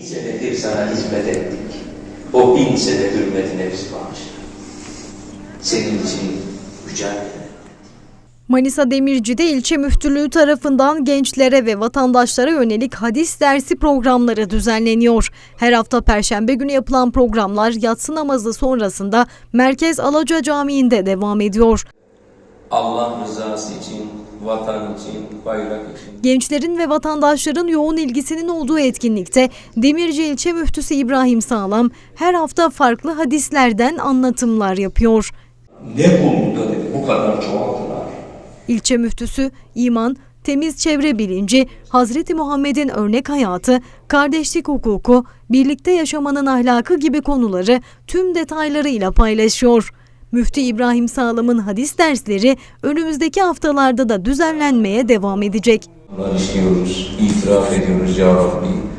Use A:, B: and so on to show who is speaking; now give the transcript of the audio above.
A: senedir sana hizmet ettik. O 1000 sene hürmetine biz bağışla. Senin için mücadele.
B: Manisa Demirci'de ilçe müftülüğü tarafından gençlere ve vatandaşlara yönelik hadis dersi programları düzenleniyor. Her hafta Perşembe günü yapılan programlar yatsı namazı sonrasında Merkez Alaca Camii'nde devam ediyor.
A: Allah rızası için, vatan için, bayrak için.
B: Gençlerin ve vatandaşların yoğun ilgisinin olduğu etkinlikte Demirci İlçe Müftüsü İbrahim Sağlam her hafta farklı hadislerden anlatımlar yapıyor.
A: Ne konuda dedi, bu kadar çoğaldılar.
B: İlçe müftüsü iman, temiz çevre bilinci, Hazreti Muhammed'in örnek hayatı, kardeşlik hukuku, birlikte yaşamanın ahlakı gibi konuları tüm detaylarıyla paylaşıyor. Müftü İbrahim Sağlam'ın hadis dersleri önümüzdeki haftalarda da düzenlenmeye devam edecek.
A: Bunları işliyoruz, itiraf ediyoruz ya Rabbi.